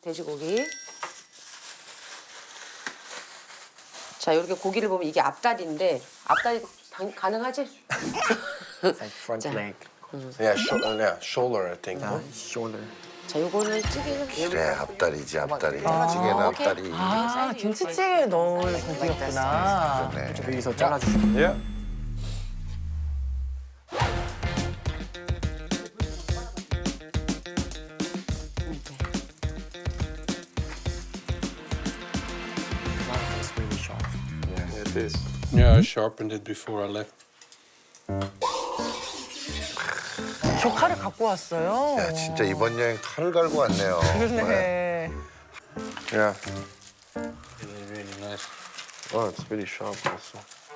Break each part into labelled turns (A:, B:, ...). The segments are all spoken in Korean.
A: 돼지고기. 자, 이렇게 고기를 보면 이게 앞다리인데 앞다리 가능하지?
B: It's like front
A: 자.
B: leg.
C: Yeah, shoulder, I think.
B: Yeah, shoulder.
A: 자, 요거는 찌개는
D: 그래 앞다리지 앞다리. 찌개는
A: 오케이.
D: 앞다리.
E: 아, 김치찌개에 넣을 고기였구나.
D: 네.
B: 여기서 잘라주시면.
C: Yeah.
B: It's really sharp.
C: Yeah, it is. Yeah, I sharpened it before I left.
E: 저 칼을 갖고 왔어요.
D: 야 진짜 이번 여행 칼을 갈고 왔네요.
E: 네.
C: Yeah. Really, really nice. Oh, it's really sharp also.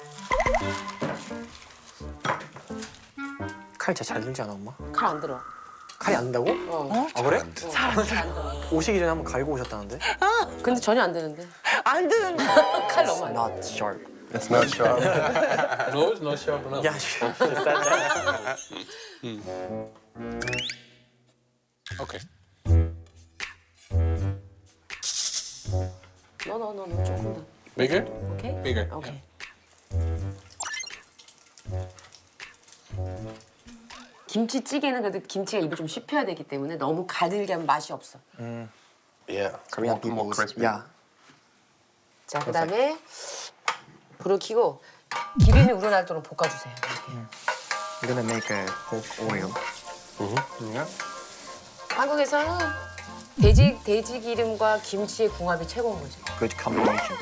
B: 칼 진짜 잘 들지 않아, 엄마?
A: 칼 안 들어.
B: 칼이 안 된다고?
A: 어.
B: 아, 그래?
A: 잘 안 들어.
B: 오시기 전에 한번 갈고 오셨다는데?
A: 근데 전혀 안 되는데.
E: 안 드는
A: 칼 너무 안 돼.
B: Not sharp.
C: It's not sharp. No, it's not sharp enough.
B: Yeah, she said that.
C: Okay.
A: 너 조금 더.
C: Bigger?
A: 오케이?
C: Bigger.
A: 오케이. 김치찌개는 그래도 김치가 입에 좀 씹혀야 되기 때문에 너무 가늘게 하면 맛이 없어.
C: Yeah.
B: Korean
C: More
B: people.
C: crispy.
B: Yeah.
A: 자, 그다음에 불을 켜고 기름이 우러나도록 볶아주세요.
B: We're gonna make a pork oil.
C: Yeah.
A: 한국에서는 돼지 기름과 김치의 궁합이 최고인 거지.
B: Good combination.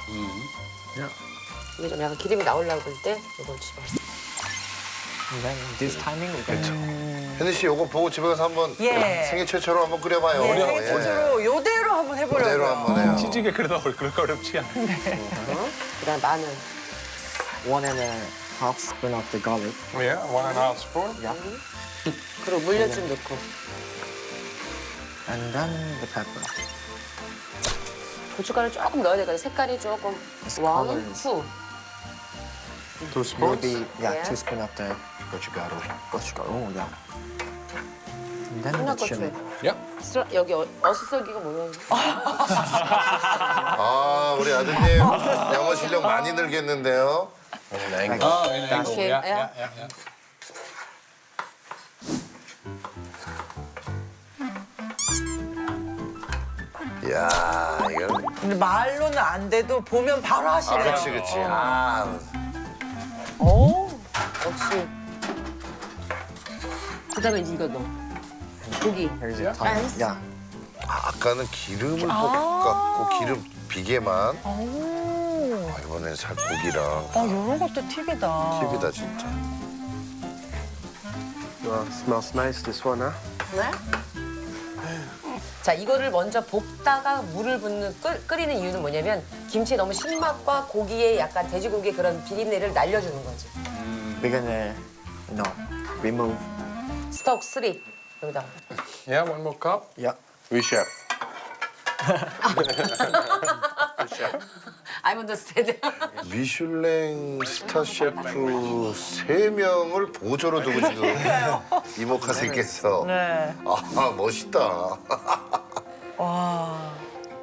A: 이게 좀 약간 기름이 나오려고 할 때 이걸 집어.
B: And then this timing we're gonna
D: 현희 씨 요거 보고 집에 가서 한번
E: 예.
D: 생애 최초로 한번 끓여봐요.
E: 예, 생일 최초로 요대로 한번 해보려고요.
D: 그대로 한번 해요.
C: 찌개 그래도 그렇게 어렵지 않아.
A: 그다음 마늘.
B: 1.5 spoon of the garlic.
C: Yeah, 1.5 spoon.
B: Yeah.
A: 그리고 물엿 좀 넣고.
B: And then the pepper.
A: 고춧가루 조금 넣어야 되거든. 색깔이 조금 왕,
B: colors.
A: 투.
C: 2
B: Will
C: spoons.
B: be yeah,
A: Yeah.
B: 2 spoon of the
C: 고춧가루.
B: gochugaru. Yeah. And then the
A: 한약고추.
B: chili.
C: Yeah.
A: 여기 어슷썰기가 뭐야?
D: 아 우리 아드님 영어 실력 많이 늘겠는데요.
C: In angle. Oh, in angle.
A: Okay,
C: Yeah,
A: yeah.
C: yeah, yeah.
D: 이야 이거
E: 근데 말로는 안 돼도 보면 바로 하시네요.
D: 그렇지 그렇지. 아
A: 오, 역시. 그다음에 이거 넣어. 고기.
B: Here's the timing. Yeah.
D: 아까는 기름을 볶았고 기름 비계만.
E: 오.
D: 아, 이번엔 살 고기랑
E: 이런 것도 팁이다.
D: 팁이다 진짜.
C: Smells nice, this one, huh?
A: 네? 자, 이거를 먼저 볶다가 물을 끓이는 이유는 뭐냐면 김치에 너무 신맛과 고기의 약간 돼지고기의 그런 비린내를 날려주는 거지.
B: We're gonna remove.
A: 스톡 3 여기다.
C: Yeah, one more cup.
B: Yeah.
C: We chef.
A: I'm understand.
D: 미슐랭 스타 셰프 3명을 보조로 두고 지금 이모카세께서
E: 네.
D: 아 멋있다.
E: 와.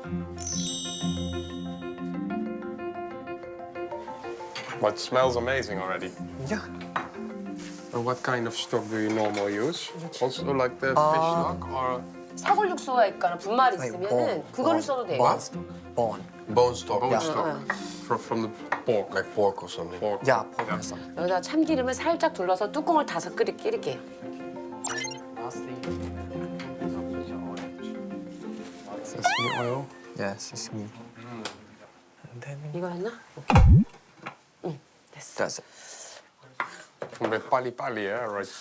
C: But it smells amazing already.
B: Yeah.
C: And what kind of stock do you normally use? Also like the fish stock or
A: 사골 육수가 있거나 분말이
B: Like
A: 있으면은 그거를 써도 돼.
B: Bone.
C: bone stock? Bone
B: Yeah.
C: stock. From the pork. Like pork or something. Pork.
B: Yeah, pork and some.
A: 여기다 참기름을 살짝 둘러서 뚜껑을 닫아서 끓일게요.
B: Sesame oil. Yeah, sesame. And then
A: 이거 했나? 응, 됐어.
B: that's it.
C: A bit pali, yeah, right?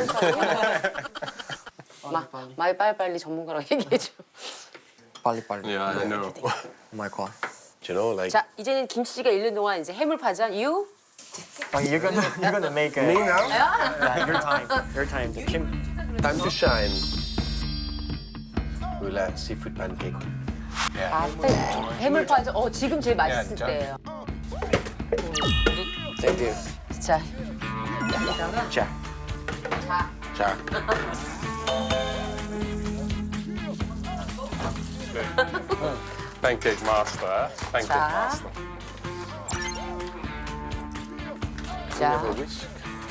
A: 빨리빨리. 마이 빨리빨리 전문가라고 얘기해줘.
B: 빨리빨리.
C: Yeah, I know.
B: Oh my god.
D: You know, like
A: 자, 이제는 김치찌개가 익는 동안 이제 해물파전. You?
B: You're gonna make a.
C: Me now?
B: Yeah, your time. Your time. The Kim.
C: Time to shine. We'll have seafood pancake.
A: 아, 해물파전. 지금 제일 맛있을
C: 자.
A: 때예요.
B: Thank you.
A: 자, 여기다가
B: Jack.
A: 자,
C: Jack. pancake master, hè? Pancake
A: 자.
C: master.
A: 자,
C: Give a whisk.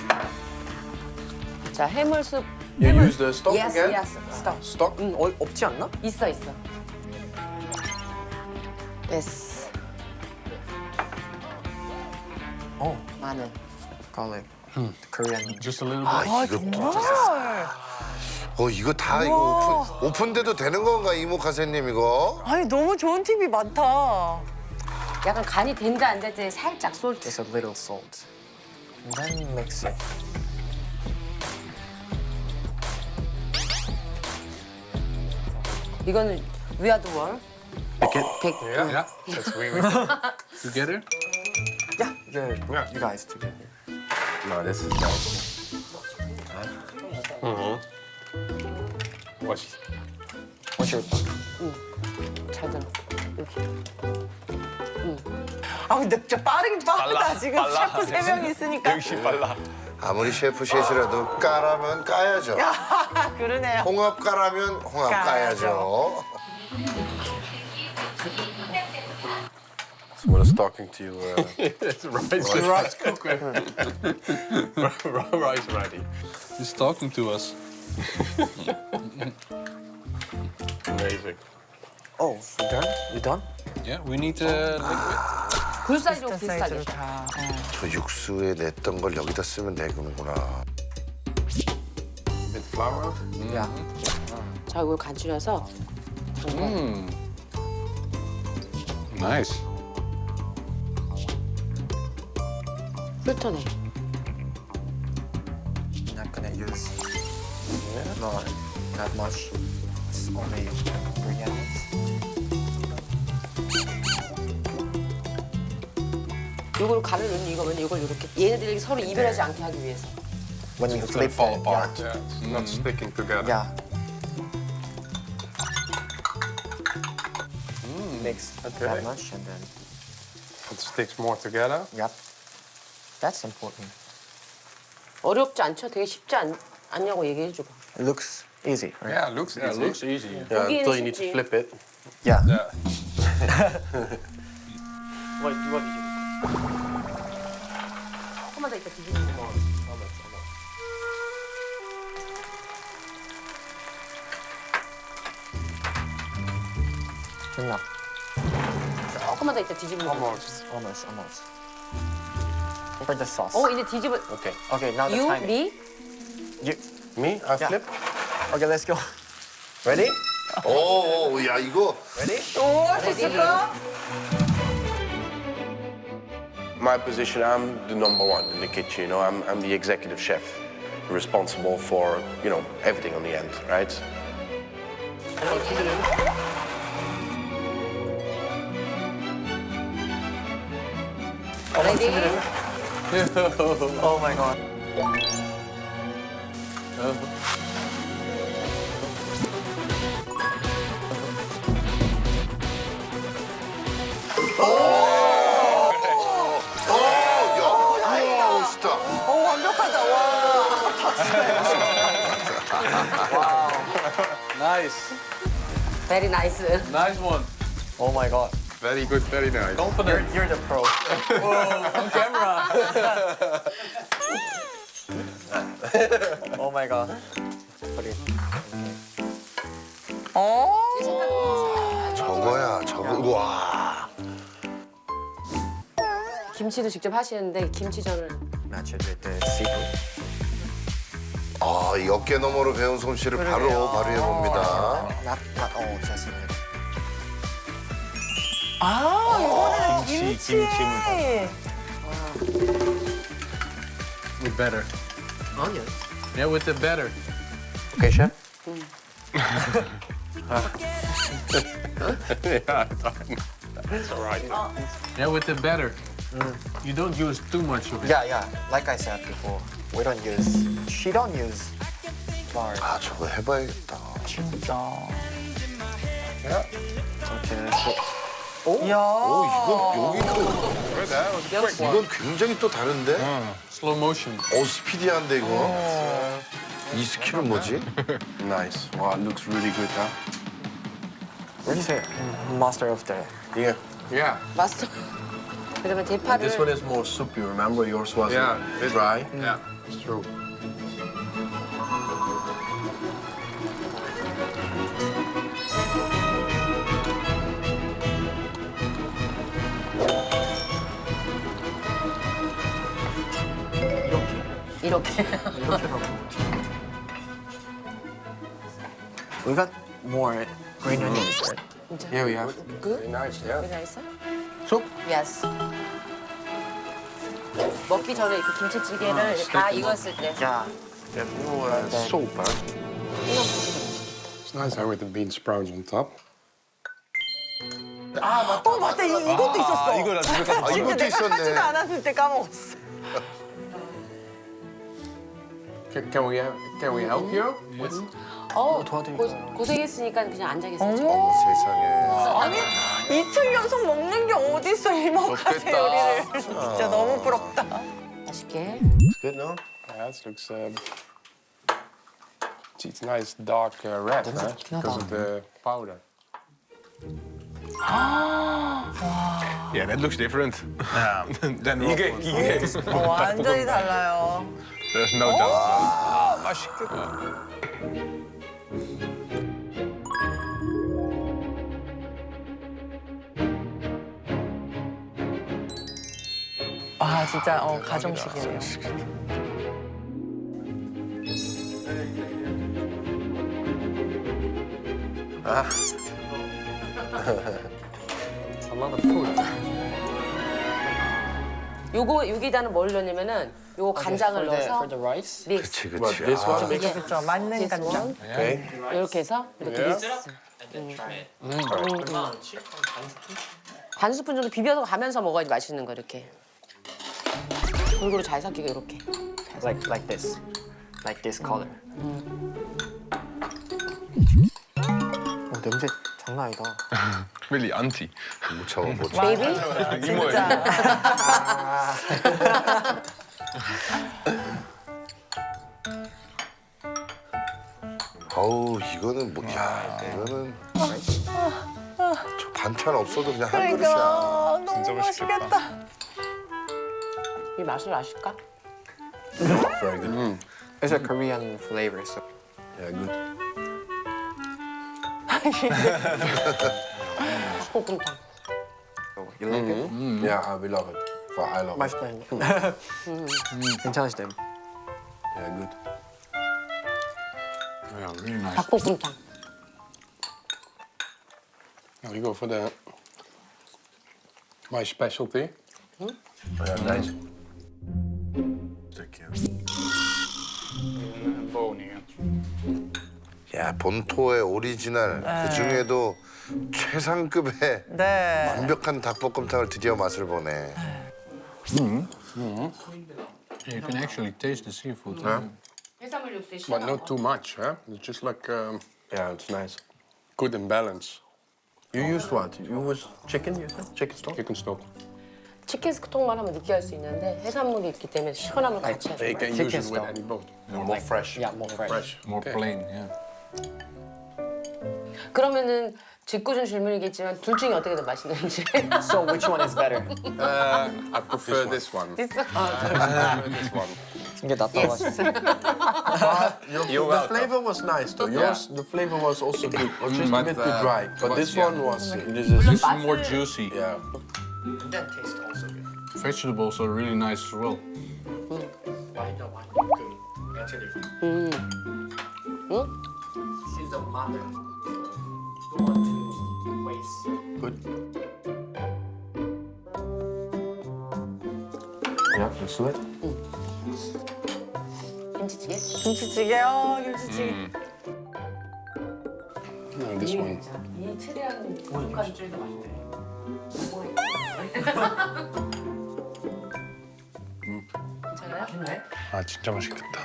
A: 자 해물숲.
F: You use the stock
A: yes,
F: again?
A: yes, 스톡.
F: Stock?
B: 없지 않나?
A: 있어. 됐어. 마늘.
B: Garlic. Korean.
F: Just a little
D: 아,
F: bit.
D: 이거
E: 정말.
D: 이거 다 이거 오픈돼도 되는 건가 이모카세님 이거?
E: 아니 너무 좋은 팁이 많다.
A: 약간 간이 된다 안 될 때 살짝 솔트.
B: Just a little salt. And then mix it.
A: 이거는 위아드월.
F: Yeah, that's weird. Together?
B: Yeah,
C: Yeah.
B: you guys together.
F: No, this is nice.
C: Watch.
B: What's your
A: 잘 들어. 이렇게.
E: 아 근데 진짜 빠르긴 빠르다. 지금 셰프 3명 있으니까.
F: 역시 빨라.
D: 아무리 셰프 셋이라도 까라면 까야죠.
E: 그러네요.
D: 홍합 까라면 홍합 까야죠.
C: So what is talking to you?
F: It's rice cooker. Rice ready. He's talking to us.
C: Amazing.
B: Oh, you done? You done?
F: Yeah, we need liquid.
A: 굴 사이즈로
E: 사이즈로
A: 비슷하게.
E: 다.
D: 저 육수에 냈던 걸 여기다 쓰면 되는구나.
C: Bit flour.
B: Yeah.
A: 자, 이걸 간추려서
F: Nice.
A: 훑어내.
B: Not gonna use. No, not much. It's only 3 onions.
A: 이걸 간을 넣는 이거면 이걸 이렇게 얘네들이 서로 이별하지 않게 하기 위해서.
B: When you
F: It's gonna
B: flip
F: fall
B: it,
F: apart.
C: Yeah, it's not sticking together.
B: Yeah. Mix
C: Okay.
B: that much and then,
C: It sticks more together.
B: yep. That's important.
A: 어렵지 않죠? 되게 쉽지 않냐고 얘기해주고.
B: It looks easy, right?
C: Yeah, looks easy.
F: Yeah, looks easy.
C: Yeah,
A: 보기에는
C: until you need to
A: 쉽지.
C: flip it.
B: Yeah.
C: Yeah.
A: 조금만 더 이따 뒤집는 거.
B: Good enough.
A: 조금만 더 이따 뒤집는 거.
C: Almost.
B: Almost. For the sauce.
A: 이제 뒤집어.
C: Okay.
B: Okay, now the
A: 유,
B: timing.
A: 리.
B: You.
C: Me? I
B: Yeah.
C: flip.
B: Okay, let's go.
C: Ready?
D: 오, 야 이거
E: 오, 할 수 있을까?
G: My position, I'm the number one in the kitchen. You know, I'm the executive chef, responsible for everything on the end, right?
A: 레디.
B: Oh my god.
D: 야, 멋있다.
E: 오, 완벽하다. 와.
F: Nice.
A: 베리 나이스.
F: Nice one.
B: Oh my god.
C: Very good, very nice.
F: Confident.
B: You're the pro.
F: On camera.
B: Oh my god. Put it.
D: 저거야, 저거. 와.
A: 김치도 직접 하시는데 김치전을.
B: Match it with the seafood.
D: 아, 이 어깨 너머로 배운 솜씨를 바로 발휘해 봅니다.
B: Not all, just a little.
E: 아, 이거는 김치.
F: With better.
A: 아니요.
F: Yeah, with the better.
B: Okay, chef?
C: Yeah, that's all right.
F: Yeah, with the better. You don't use too much of it.
B: Yeah. Like I said before, she don't use flour.
D: 아, 저거 해봐야겠다.
E: 진짜.
B: Okay, let's go.
E: 이야.
D: 오, 이건 여기 또
C: Good, that was a quick one.
D: 이건 굉장히 또 다른데?
F: Slow motion.
D: 스피디한데 이거. 이 스킬은 뭐지?
G: Nice. Wow, it looks really good, huh?
B: What do you say? Master of the.
G: Yeah.
C: Yeah.
A: 마스터. 그러면 대파를
G: This one is more soupy. Remember, yours was
C: Yeah.
G: dry.
C: Yeah. It's true.
A: 이렇게.
B: We got more green onions. Right?
C: Yeah, we have.
A: Good?
C: Very nice. Yeah.
A: 나이스?
C: Soup.
A: Yes. 먹기 전에 이렇게 김치찌개를 다 익었을 때.
B: Yeah.
G: Soap, huh?
C: It's nice how with the bean sprouts on top.
E: 어 맞다 이것도 있었어.
F: 이거라 진짜.
D: 아, 이것도
E: 내가
D: 있었네.
E: 하지도 않았을 때 까먹었어.
C: Can we help you?
A: 고생했으니까 그냥 앉아 계세요.
D: 세상에.
E: 아니 이틀 연속 먹는 게 어딨어 이모카세 요리를. 진짜 너무 부럽다.
A: 맛있게.
G: Good, no?
C: Yeah, it looks. It's nice dark red, huh? Because of the powder.
F: Yeah, that looks different. Than
C: 이게
E: 완전히 달라요.
F: There's no doubt. 맛있겠다.
E: 아 진짜 가정식이에요.
C: a lot of food.
A: 요거 여기다는 뭘 넣냐면은 요거 간장을 넣어서
B: the rice.
A: 믹스.
D: 그치,
G: But
D: 그치.
G: this
D: 아,
G: one,
E: 그렇죠. 맞는 간장.
G: okay.
A: 이렇게 해서 이렇게
G: Yeah.
A: 믹스. 반 스푼 정도 비벼서 가면서 먹어야지 맛있는 거 이렇게. 골고루 잘 섞이게 이렇게.
B: Like this. Like this color. 냄새 장난 아니다.
F: Really anti.
D: 못 참아, 못 참아.
A: 베이비?
E: 진짜.
D: 아우, 이거는 뭐, 야, 이거는. 저 반찬 없어도 그냥 한 그릇이야.
E: 그러니까 너무 맛있겠다.
A: 이 맛을 아실까?
G: Very good.
B: It's a Korean flavor. So.
G: Yeah, good.
A: 닭볶음탕.
B: You like it?
G: Yeah, we love it. Well, I love it.
B: 맛있다. 괜찮으시대요.
G: Yeah, good.
F: Yeah, really nice.
A: 닭볶음탕.
C: Now we go for my specialty.
G: Yeah, nice.
D: 야, 본토의 오리지널. 그 중에도 최상급의
E: 네.
D: 완벽한 닭볶음탕을 드디어 맛을 보네.
F: You can actually taste the seafood.
A: 해산물 육수에
C: But not too much, huh? It's just like
G: Yeah, it's nice.
C: good in balance.
G: You used what? You used chicken, you said? Chicken stock?
C: Chicken stock.
A: 치킨 스톡만 하면 느끼할 수 있는데 해산물이 있기 때문에 시원함을 같이 해줘.
C: You can use it with any boat.
G: More fresh.
B: Yeah, more fresh.
F: More
C: Okay.
F: plain, yeah.
A: 그러면은 짓궂은 질문이겠지만 둘 중에 어떻게 더 맛있는지.
B: So which one is better?
C: I prefer this one.
A: This one.
C: This one.
B: 이게 낫다고 하시죠.
G: The flavor was nice though. Yours, the flavor was also good. Or just a
F: But,
G: bit too dry. But this
F: yeah.
G: one was, this
F: This
G: is,
F: is more juicy.
G: yeah.
B: That tastes also good.
F: Vegetables are really nice as well.
B: Why the one? Good. Actually. She's a mother. Don't want to waste.
G: Good. Yeah, let's do it.
A: 김치찌개?
E: 김치찌개요. 김치찌개.
C: No, this one.
A: 이 최대한 김치찌개도 맛있네. 괜찮아요?
C: 아 진짜 맛있겠다.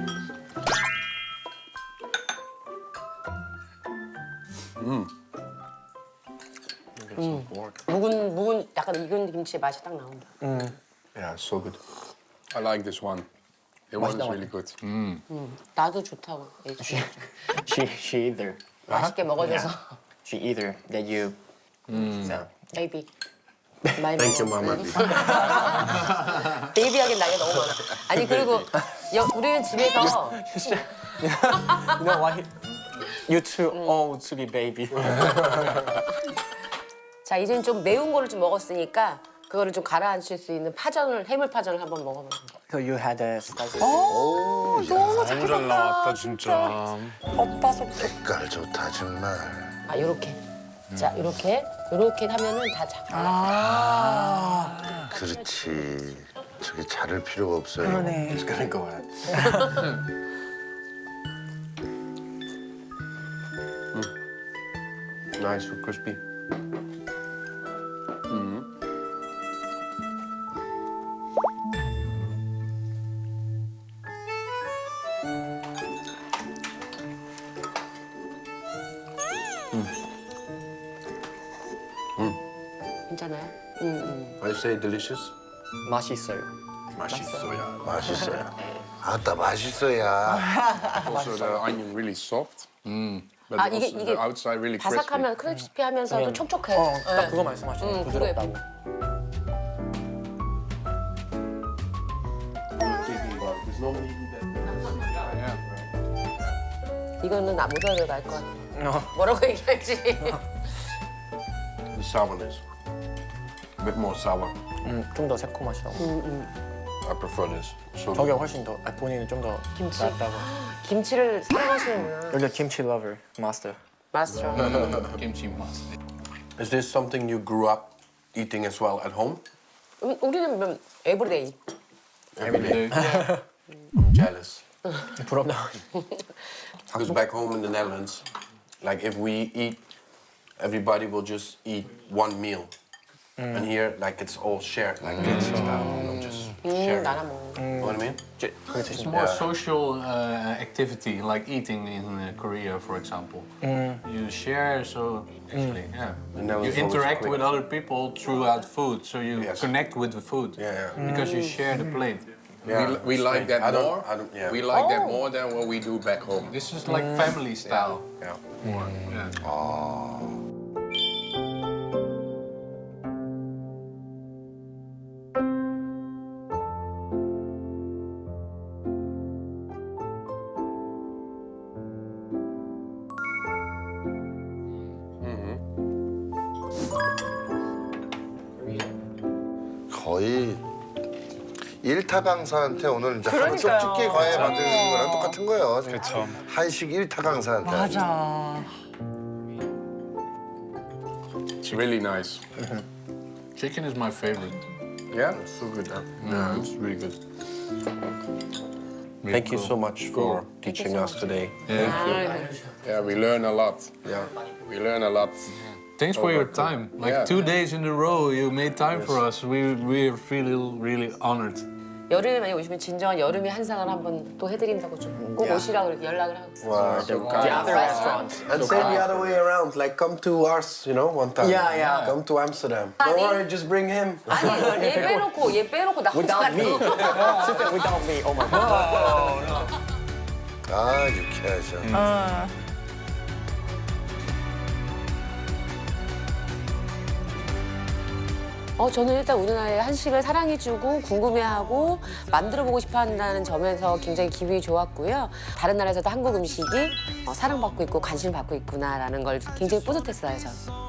A: 묵은 약간 익은 김치의 맛이 딱 나온다.
G: Yeah, so good.
C: I like this one. The one is really good.
A: 나도 좋다고 얘기해.
B: She either.
A: 맛있게 먹어줘서
B: she either that you. So.
A: 베이비. 많이
G: Thank you,
A: 먹어.
G: Mama.
A: 베이비 하긴 나이가 너무 많아. 아니 그리고 우리는 집에서
B: You know why? You're too old to be baby.
A: 자 이제는 좀 매운 거를 좀 먹었으니까 그거를 좀 가라앉힐 수 있는 파전을 해물파전을 한번 먹어봐.
B: So you had a spicy.
E: 너무
H: 너무 잘 나왔다 진짜.
E: 오빠 속
D: 색깔 좋다 정말.
A: 아 요렇게. 자 요렇게 하면은 다 잡아.
E: 아,
D: 그렇지. 저게 자를 필요가 없어요.
E: 그러네.
G: It's gonna go ahead. Nice, so crispy.
A: 괜찮아요?
G: I say delicious.
B: 맛있어요.
G: 맛있어요.
D: 맛있어요. 아따 맛있어야.
C: Also the onion really soft. But
A: 아,
C: also
A: 이게
C: the outside really crispy.
A: 바삭하면 크리스피하면서도 촉촉해.
B: 딱 그거 말씀하시네. 부드럽다고.
A: 이거는 나 못 알아갈 것 같아. 뭐라고 얘기할지.
G: The sourness. A bit more sour.
B: 좀 더 새콤하시다고.
G: I prefer this. So
B: 저게 훨씬 더. 본인은 좀 더
A: 김치?
B: 낫다고.
A: 김치를 사랑하시는구나.
B: 여기 김치 lover master.
A: 마스터.
F: Kimchi must.
G: is this something you grew up eating as well at home?
A: 우리는 에브리데이.
G: Every day. I'm jealous.
B: 부럽다.
G: Because back home in the Netherlands, like if we eat, everybody will just eat one meal. And here, like it's all shared, like this style, you know, just sharing.
A: 나눠 먹는.
G: You know what I mean?
F: It's more social activity, like eating in Korea, for example. You share, so actually, yeah.
G: And that
F: You
G: was always
F: interact
G: quick.
F: with other people throughout food, so you
G: Yes.
F: connect with the food.
G: Yeah, yeah.
F: Because you share the plate.
G: Yeah,
C: We like that
G: I don't-
C: more.
G: I don't- yeah.
C: We like that more than what we do back home.
F: This is like family style.
G: Yeah.
F: More. Yeah.
D: 거의 일타 강사한테 오늘 이제 하루
E: 그러니까요.
D: 쪽집게 과외 받는 거랑 똑같은 거예요.
H: 그쵸.
D: 한식 일타 강사한테.
E: 맞아.
C: It's really nice.
F: Chicken is my favorite.
G: Yeah, it's so good. Huh?
F: Yeah, it's really good. Really
G: Thank you
F: cool.
G: so much for teaching us today.
F: Yeah.
C: Yeah, we learn a lot.
G: Yeah.
C: We learn a lot.
F: Thanks for your time. Like
C: Yeah.
F: 2 days in a row, you made time for us. We're feeling really honored.
A: 여름에 많이 오시면 진정한 여름의 한상을 한번 또 해드린다고 좀 꼭 오시라고 이렇게 연락을 하고 있어요.
G: Wow.
B: The other restaurants.
G: And say the other way around, like come to us, you know, one time.
B: Yeah, yeah.
G: Come to Amsterdam.
A: Honey.
G: Don't worry, just bring him.
A: 아니 얘 빼놓고 나 혼자
B: Without me. She said without me. Oh my god.
D: 아 유쾌하죠.
A: 저는 일단 우리나라의 한식을 사랑해주고 궁금해하고 만들어보고 싶어한다는 점에서 굉장히 기분이 좋았고요. 다른 나라에서도 한국 음식이 사랑받고 있고 관심을 받고 있구나라는 걸 굉장히 뿌듯했어요, 저는.